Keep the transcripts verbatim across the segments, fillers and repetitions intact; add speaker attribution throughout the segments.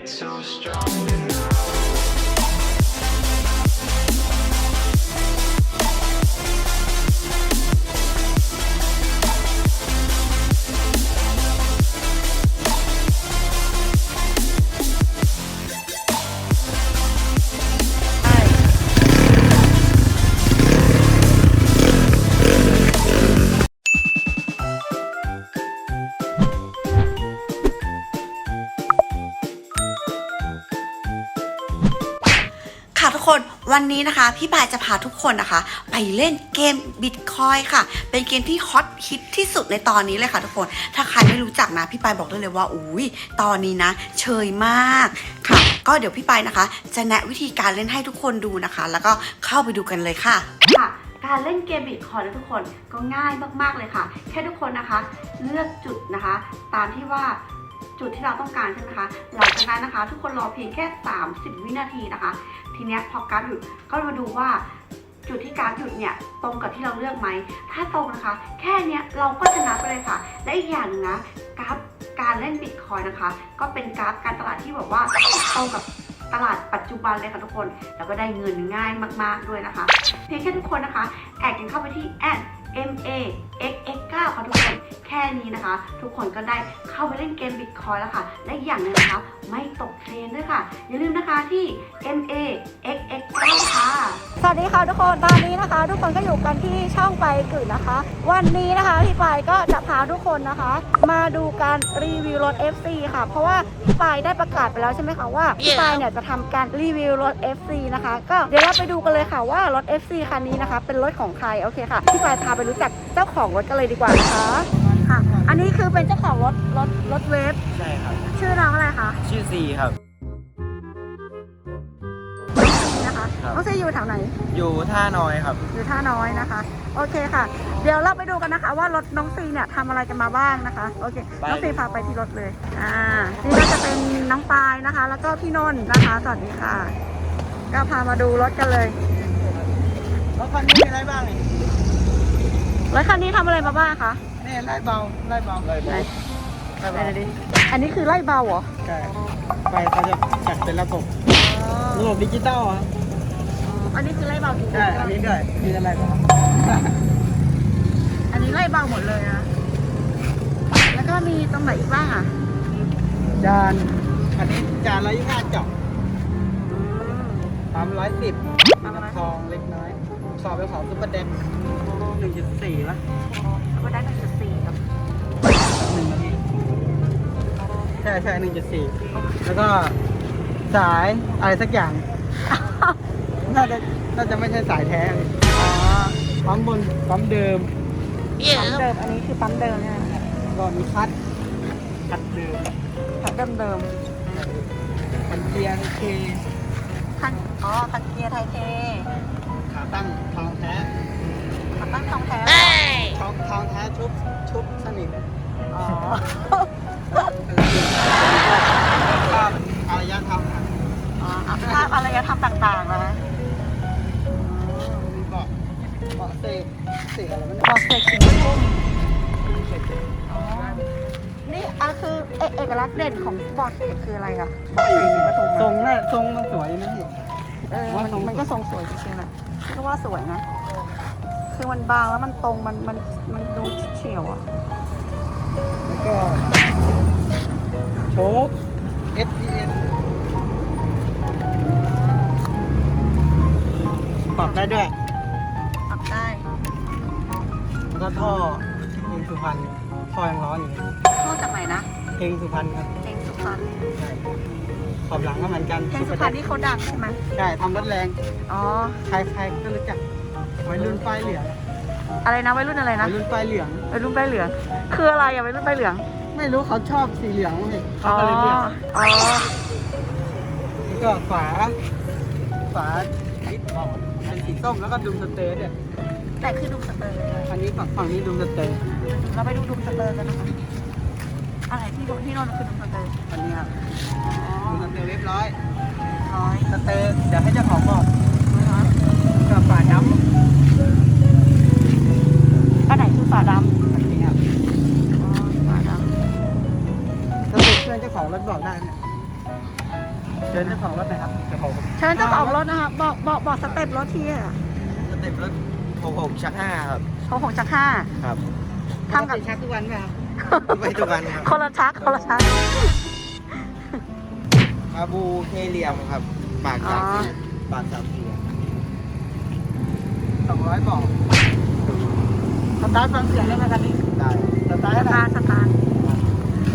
Speaker 1: so strong enough.
Speaker 2: ค่ะทุกคนวันนี้นะคะพี่ปายจะพาทุกคนนะคะไปเล่นเกมบิตคอยค่ะเป็นเกมที่ฮอตฮิตที่สุดในตอนนี้เลยค่ะทุกคนถ้าใครไม่รู้จักนะพี่ปายบอกได้เลยว่าอุ้ยตอนนี้นะเชยมากค่ะก็เดี๋ยวพี่ปายนะคะจะแนะวิธีการเล่นให้ทุกคนดูนะคะแล้วก็เข้าไปดูกันเลยค่ะค่ะการเล่นเกมบิตคอยนะทุกคนก็ง่ายมากๆเลยค่ะแค่ทุกคนนะคะเลือกจุดนะคะตามที่ว่าจุดที่เราต้องการใช่ไหมคะหลังจากนั้นนะคะทุกคนรอเพียงแค่สามสิบวินาทีนะคะทีเนี้ยพอกราฟหยุดก็มาดูว่าจุดที่กราฟหยุดเนี่ยตรงกับที่เราเลือกไหมถ้าตรงนะคะแค่เนี้ยเราก็ชนะไปเลยค่ะและอีกอย่างนึงนะกราฟการเล่นบิตคอยนะคะก็เป็นกราฟการตลาดที่แบบว่าตรงกับตลาดปัจจุบันเลยค่ะทุกคนแล้วก็ได้เงินง่ายมากๆด้วยนะคะเพียงแค่ทุกคนนะคะแอดกันเข้าไปที่แอด เอ็ม เอ เอ็กซ์ เอ็กซ์ เก้า ค่ะทุกคนแค่นี้นะคะทุกคนก็ได้เข้าไปเล่นเกมบิตคอยแล้วค่ะและอีกอย่างหนึ่งนะคะไม่ตกเทรนด้วยค่ะอย่าลืมนะคะที่ เอ็ม เอ เอ็กซ์ เอ็กซ์ เก้า ค่ะ
Speaker 3: สวัสดีค่ะทุกคนตอนนี้นะคะทุกคนก็อยู่กันที่ช่องไปกึ่นะคะ วันนี้นะคะพี่ปายก็จะพาทุกคนนะคะ มาดูการรีวิวรถ เอฟ ซี ค่ะเพราะว่าพี่ปายได้ประกาศไปแล้วใช่ไหมคะว่าพี่ปายเนี่ยจะทำการรีวิวรถ เอฟ ซี นะคะก็เดี๋ยวเราไปดูกันเลยค่ะว่ารถ เอฟ ซี คันนี้นะคะเป็นรถของใครโอเคค่ะพี่ปายพาไปรู้จักเจ้าของรถกันเลยดีกว่านะคะค่ะอันนี้คือเป็นเจ้าของรถรถรถเวฟ
Speaker 4: ใช่ครับ
Speaker 3: ชื่อน้องอะไรคะ
Speaker 4: ชื่อซีครับ
Speaker 3: นะคะน้องซีอยู่แถวไหน
Speaker 4: อยู่ท่าน้อยครับ
Speaker 3: อยู่ท่าน้อยนะคะโอเคค่ะเดี๋ยวเราไปดูกันนะคะว่ารถน้องซีเนี่ยทำอะไรกันมาบ้างนะคะโอเคน้องซีพาไปที่รถเลยอ่านี่ก็จะเป็นน้องปายนะคะแล้วก็พี่นนท์นะคะสวัสดีค่ะก็พามาดูรถกันเลย
Speaker 4: รถคันนี้มีอะไรบ้างนี่
Speaker 3: รถคันนี้ทำอะไรมาบ้างคะ
Speaker 4: นี่ไล่เบาไล่เบาไล่เบา
Speaker 3: ไล่เบาดิอันนี้คือไล่เบาเหรอ
Speaker 4: ใช่ไปเขาจะจัดเป็นระบบระบบดิจิตอลอ่ะ
Speaker 3: อันนี้คือไล่เบาจริงๆ
Speaker 4: ใช่อันนี้ด้วยมีอะไรบ้าง
Speaker 3: อันนี้ไล่เบาหมดเลยนะแล้วก็มีตรงไหนอีกบ้างอ่ะ
Speaker 4: จานอันนี้จานร้อยยี่สิบห้าเจาะปั๊มร้อยสิบน้ำทองเล็กน้อยสอบเป็นของซุปเปอร์เด็กหนึ่งจุดสี่ละ
Speaker 3: ซุปเปอร์เด็กหนึ่งจุดสี่ครับ
Speaker 4: หนึ่งนาทีใช่ใช่หนึ่งจุดสี่แล้วก็สายอะไรสักอย่างน่าจะน่าจะไม่ใช่สายแท้อ๋อปั๊มบนปั๊มเดิม
Speaker 3: ปั๊มเดิมอันนี้คือปั๊มเดิมใช่ไหม
Speaker 4: ก็มีคัดคัดเดิม
Speaker 3: คัดเดิมเดิม
Speaker 4: คันเกียร์เค
Speaker 3: คันอ๋อคันเกียร์ไทยเท
Speaker 4: ขาตั้งทองแท้
Speaker 3: ขาตั้งทองแท้
Speaker 4: ทองทองแท้ชุบชุบสนิท
Speaker 3: อ๋อ
Speaker 4: ภาพอารยธรรม
Speaker 3: อ๋อภาพอารยธรรมต่างๆนะ
Speaker 4: มีเบาะเบาะเสกเสกอะไรมัน
Speaker 3: เบาะเสกสีส้มนี่อ่ะคือเอกลักษณ์เด่นของเบาะเสกคืออะไรอะเบาะเสกสีผสม
Speaker 4: ทรงน่ะทรงมันสวยนะพี่
Speaker 3: เออมันก็ทรงสวยจริงๆแหละก็ว่าสวยนะคือมันบางแล้วมันตรงมันมันมันดูเฉียวอ่ะ
Speaker 4: แล้วก็โชค เอส พี เอ็น ปรับได้ด้วย
Speaker 3: ปรับได้
Speaker 4: แล้วก็ท่อเพลงสุพรรณท่อยังร้อนอยู่เลย
Speaker 3: ท่อจากไหนนะ
Speaker 4: เพลงสุพรรณครับ
Speaker 3: เพลงสุพรรณ
Speaker 4: ใช่ขอบหลังก็เหมือนกัน
Speaker 3: เพลงสุพรรณนี่เขาดังใช่ไหม
Speaker 4: ใช่ทำรถแรง
Speaker 3: อ๋อ
Speaker 4: ใครใครก็รู้จักวัยรุ่นป้ายเหลือง
Speaker 3: อะไรนะวัยรุ่นอะไรนะ
Speaker 4: วัยรุ่นป้ายเหลือง
Speaker 3: วัยรุ่นป้ายเหลืองคืออะไรอะวัยรุ่นป้ายเหลือง
Speaker 4: ไม่รู้เขาชอบสีเหลืองเลย
Speaker 3: เขาก็เลยเรียกอ๋อ
Speaker 4: แล้วก็ฝาฝาลิปเป็นสีส้มแล้วก็ดุมสเตอร์เนี่ย
Speaker 3: แต่คือดุมสเตอร์
Speaker 4: อันนี้ฝั่งฝั่งนี้ดุมสเตอร์
Speaker 3: เราไปดูดุมสเตอร์กันนะคะอะไรที่ที่นอนคือดุมสเตอร์
Speaker 4: อันนี้ครับดุมสเตอร์เรียบร้อย
Speaker 3: ร้อย
Speaker 4: สเตอร์เดี๋ยวให้เจ้าของบอกกับฝาดำ
Speaker 3: อันไหนคือฝาดำ
Speaker 4: อันนี้ครับ
Speaker 3: อ๋อฝาดำ
Speaker 4: สรุปเพื่อนเจ้าของรถบอกได้เนี่ยชิญเจ้าของรถหน่อยครับเจ้าของ
Speaker 3: เชิญเจ้าของรถนะคะบอกบอกบอกสเต็ปรถที่อะ
Speaker 4: สเต็ปรถหกหกชักห้าครับ
Speaker 3: โอ้โหชักห้า
Speaker 4: ครับ
Speaker 3: ทำกับ
Speaker 4: ชักทุกวันไหมครับไม่ทุกวันครับ
Speaker 3: คนละชักคนละชัก
Speaker 4: อาบูเคเหลียมครับปากสามสี่ปากสามสี่สองร้อยบอกสตาร์ทฟังเสียงได้ไหมคันนี้ได้สตาร์ท
Speaker 3: ส
Speaker 4: ให้หน่
Speaker 3: ตา
Speaker 4: อย
Speaker 3: ร์ทสตาร์ท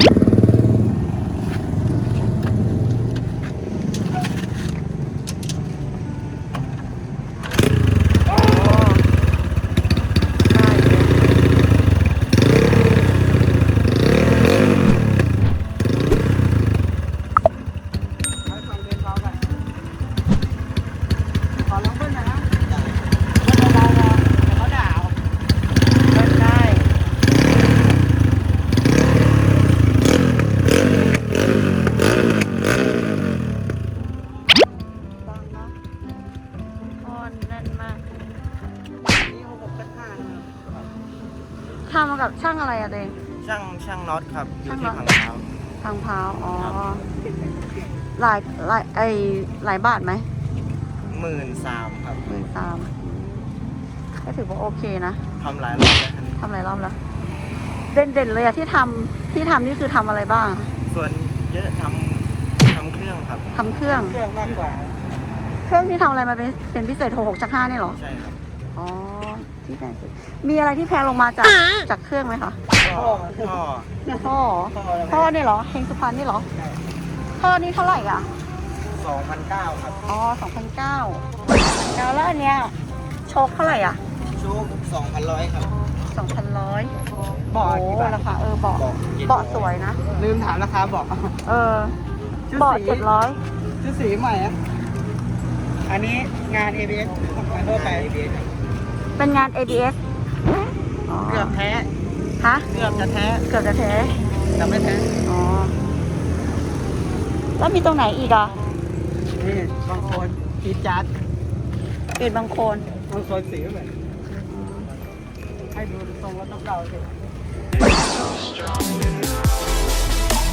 Speaker 3: โอ้ได้เลย
Speaker 4: ให้ฟังเพลงเขากันขอร้องเบิ้ลหน่อยนะเบิ้ลเบาๆเดี๋ยวเขาด่าเอา
Speaker 3: เล่นได้ฟังเนาะออนแน่นมาก
Speaker 4: นี่หกหกชักห้านะครับ
Speaker 3: ทำมากับช่างอะไรอะเดง
Speaker 4: ช่างช่างน็อตครับอยู่ที่
Speaker 3: ช่างน็
Speaker 4: พั
Speaker 3: อต
Speaker 4: งเท้า
Speaker 3: ทางพร้าวอ๋อ
Speaker 4: ครับ
Speaker 3: หลายหลายไอหลายบาทไหม
Speaker 4: หมื่นสามครับ
Speaker 3: หมื่นสามก็ถือว่าโอเคนะ
Speaker 4: ทำหลายรอบแล้วคันนี้
Speaker 3: ทำหลายรอบแล้ว เด่นเด่นๆเลยอะที่ทำที่ทำนี่คือทำอะไรบ้าง
Speaker 4: ส่วนเยอะทำทำเครื่องครับ
Speaker 3: ทำเครื่อง
Speaker 4: เครื่องมากกว่า
Speaker 3: เครื่องที่ทำอะไรมาเป็นเป็นพิเศษหกหกชักห้านี่เหรอ
Speaker 4: ใช่ครับ
Speaker 3: อ๋อ ที่แพงสุดมีอะไรที่แพงลงมาจากจากเครื่องไหมคะ
Speaker 4: ท่อท่อ
Speaker 3: ท่อ
Speaker 4: ท่อ
Speaker 3: ท่อนี่เหรอเฮงสุพรรณนี่เหรอท่อนี่เท่าไหร่อ่ะ
Speaker 4: สองพันเก้าครับ
Speaker 3: อ๋อสองพันเก้าแล้วแล้วอันเนี้ยโชคเท่าไหร่อ่ะ
Speaker 4: โชคสองพันร้อยครับ
Speaker 3: สองพันร้อย
Speaker 4: เบาะ
Speaker 3: โอ้
Speaker 4: กี่บาท
Speaker 3: ราคาเออเบาะ
Speaker 4: เบาะ
Speaker 3: เบาะสวยนะ
Speaker 4: ลืมถามราคาเบาะ
Speaker 3: เออ
Speaker 4: ชุด
Speaker 3: เบาะ
Speaker 4: สี
Speaker 3: เจ็ดร้อย
Speaker 4: ชุดสีใหม่อะอันนี้งาน เอ บี เอส งานทั่วไป
Speaker 3: เป็นงาน เอ บี เอส อ๋อ
Speaker 4: เกือบแท้
Speaker 3: ฮะ
Speaker 4: เกือบจะแท้
Speaker 3: เกือบจะแท้
Speaker 4: แต่ไม่แท้
Speaker 3: อ๋อ แล้วมีตรงไหนอีกอ่ะ
Speaker 4: นี่บางคนกีดจัด
Speaker 3: ปิดบางโคน
Speaker 4: บางคนสีก็เหมือนให้ดูทรงรถต้องเก่าสิ
Speaker 1: strong enough.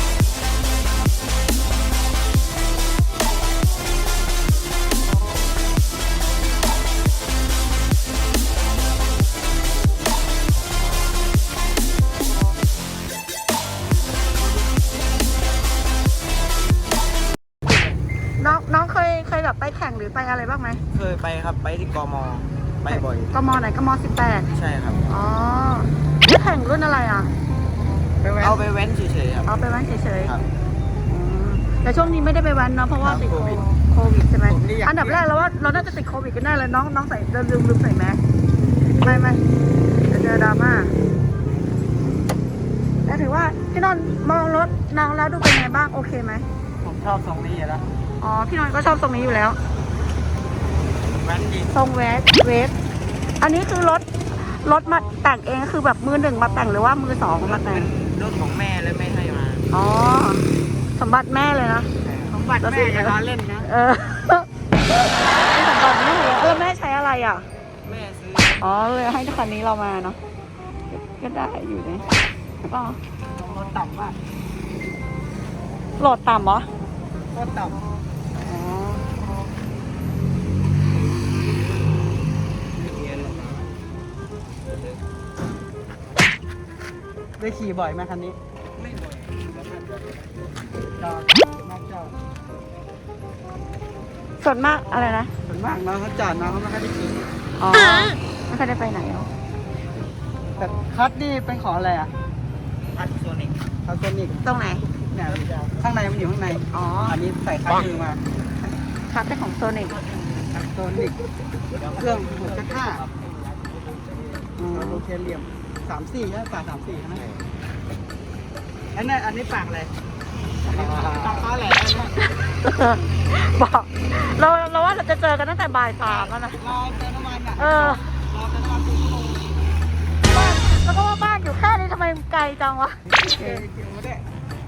Speaker 3: น้องน้องเคยเคยแบบไปแข่งหรือไปอะไรบ้างไหม
Speaker 4: เคยไปครับไปที่กมไปบ่อย
Speaker 3: กมไหนกมสิบแปด
Speaker 4: ใช่ครับ
Speaker 3: อ๋อแล้วแข่งรุ่นอะไรอ่ะ
Speaker 4: เอาไปแว้นเฉยๆครับ
Speaker 3: เอาไปแว้นเฉย
Speaker 4: ครับ
Speaker 3: ๆอืมแต่ช่วงนี้ไม่ได้ไปแว้นเนาะเพราะว่า
Speaker 4: ครับ
Speaker 3: ติด
Speaker 4: โควิด
Speaker 3: โควิดใช่ไหม
Speaker 4: ผมนี่อยาก
Speaker 3: อันดับแรกเราว่าเราน่าจะติดโควิดกันแน่เลยน้องน้องใส่ลืมลืมใส่แมสไม่ไม่จะเจอดราม่าแต่ถือว่าพี่นนท์มองรถน้องแล้วดูเป็นไงบ้างโอเคไหม
Speaker 4: ผมชอบทรงนี้อยู่แล้ว
Speaker 3: อ๋อพี่นนท์ก็ชอบทรงนี้อยู่แล้ว
Speaker 4: แว้นดี
Speaker 3: ทรงเวสเวสอันนี้คือรถรถมาแต่งเองคือแบบมือหนึ่งมาแต่งหรือว่ามือสองมาแต่
Speaker 4: เป็
Speaker 3: ง
Speaker 4: นรถของแม่และไม่ให้มา
Speaker 3: อ๋อสมบัติแม่เลยนะ
Speaker 4: สมบัติแม่อย่าล้อเล่นนะ
Speaker 3: เออเป็นสมบัติแม่เลยแล้วแม่ใช้อะไรอ่ะ
Speaker 4: แม่ซื้อ
Speaker 3: อ๋อเลยให้คันนี้เรามาเนาะก็ได้อยู่นะก็
Speaker 4: รถต่ำมาก
Speaker 3: โหลดต่ำเหรอ
Speaker 4: รถต่
Speaker 3: อ๋อ
Speaker 4: ำได้ขี่บ่อยไหมคันนี้ ไม่บ่อยจอดมากจอด
Speaker 3: ส่วนมากอะไรนะ
Speaker 4: ส่วนมากน้องเขาจอดน้องเขาไม่ค่อยได้ขี่
Speaker 3: อ๋อไม่เคยได้ไปไหนหรอ
Speaker 4: แต่คัทนี่เป็นของอะไรอ่ะคัทโซนิกคัทโซนิก
Speaker 3: ตรงไหน
Speaker 4: เนี่ยข้างในมันอยู่ข้างใน
Speaker 3: อ๋อ
Speaker 4: อันนี้ใส่คัทมือมา
Speaker 3: คัดเป็นของโซนิก
Speaker 4: คัทโซนิกเครื่องหกจุดห้าโลเคเลียมสามสี่ใช่ไหมปากสามสี่ใช่ไหมอันนี้อันนี้ปากอะไรปากเขาแหลมนะ
Speaker 3: บอกเราเราว่าเราจะเจอกันตั้งแต่บ่ายสามแล้วนะ
Speaker 4: รอเติมน้ำมันอ่ะ
Speaker 3: เออ
Speaker 4: รอเติมน้ำมันสี่ชั่วโมง
Speaker 3: บ้านแล้วก็ว่าบ้านอยู่แค่นี้ทำไมไกลจังวะ
Speaker 4: เกี่ยวเกี่ยวได้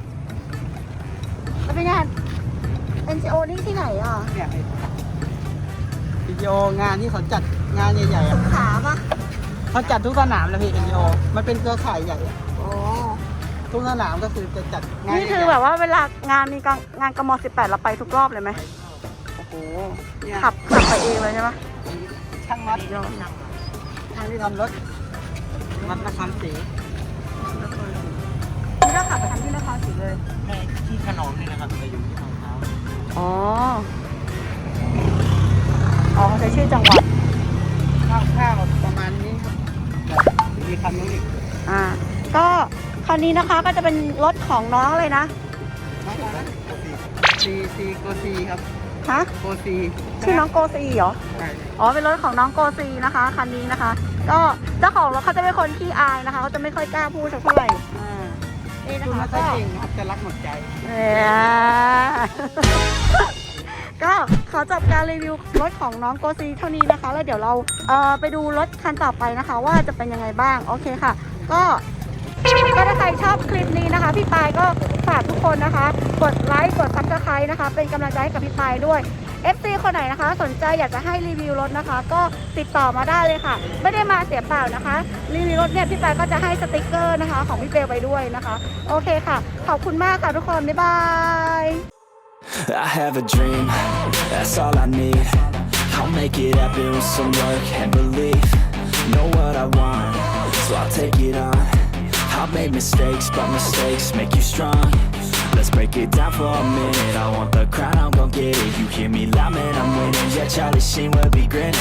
Speaker 3: แล้วเป็นงาน เอ็น จี โอ นี่ที่ไหนอ่ะ
Speaker 4: เนี่ยวิดีโองานที่เขาจัดงานใหญ่ๆ
Speaker 3: ส
Speaker 4: อะ
Speaker 3: งขลาปะ
Speaker 4: เขาจัดทุกสนามเลยพี่วิดีโอมันเป็นเครือข่ายใหญ่อะ
Speaker 3: โอ้
Speaker 4: ทุกสนามก็คือจะจัดงาน
Speaker 3: นี่คือแบบว่าเวลางานมีงานงานกมสิบแปดเราไปทุกรอบเลยไหมโอ้โห
Speaker 4: เนี่ย
Speaker 3: ขับขับไปเองเลยใช่ไหม
Speaker 4: ช่างมัดช่างที่ทำรถมัดนครศรี
Speaker 3: นี่เราขับไปทำที่นครศรีเลย
Speaker 4: ในที่ขนมนี่นะครับจะอยู่ที่ทางเท้า
Speaker 3: อ๋อ อ๋อใช้ชื่อจังหวัด
Speaker 4: ข้าวๆประมาณนี้ครับแต่มีคันนู้นอีก
Speaker 3: อ่า ก็คันนี้นะคะก็จะเป็นรถของน้องเลยนะ
Speaker 4: ซีซีโกซีครับ
Speaker 3: ฮะ
Speaker 4: โกซี
Speaker 3: ชื่อน้องโกซีเหรอ
Speaker 4: ใช่
Speaker 3: อ๋อ เป็นรถของน้องโกซีนะคะคันนี้นะคะ ก็เจ้าของรถเขาจะเป็นคนขี้อายนะคะเขาจะไม่ค่อยกล้าพูดสักเท่าไหร่อ่านี่นะ
Speaker 4: คุณ
Speaker 3: คะ
Speaker 4: ไม่ค่อย
Speaker 3: ก็
Speaker 4: เก่งครับจะรักหมดใจ
Speaker 3: เนี่ย ก็ขอจบการรีวิวรถของน้องโกซีเท่านี้นะคะ แล้วเดี๋ยวเราเอ่อไปดูรถคันต่อไปนะคะ ว่าจะเป็นยังไงบ้างโอเคค่ะ ก็ก็ถ้าใครชอบคลิปนี้นะคะ พี่ปายก็ฝากทุกคนนะคะ กดไลค์กดซับสไครต์นะคะ เป็นกำลังใจให้กับพี่ปายด้วย เอฟ ซี คนไหนนะคะ สนใจอยากจะให้รีวิวรถนะคะ ก็ติดต่อมาได้เลยค่ะ ไม่ได้มาเสียเปล่านะคะ รีวิวรถเนี่ยพี่ปายก็จะให้สติกเกอร์นะคะ ของพี่เบลไปด้วยนะคะ โอเคค่ะ ขอบคุณมากค่ะทุกคน บ๊ายบาย
Speaker 5: I have a dream, that's all I need. I'll make it happen with some work and belief. Know what I want, so I'll take it on. I've made mistakes, but mistakes make you strong. Let's break it down for a minute. I want the crown, I'm gon' get it. You hear me loud, man, I'm winning. Yeah, Charlie Sheen will be grinning.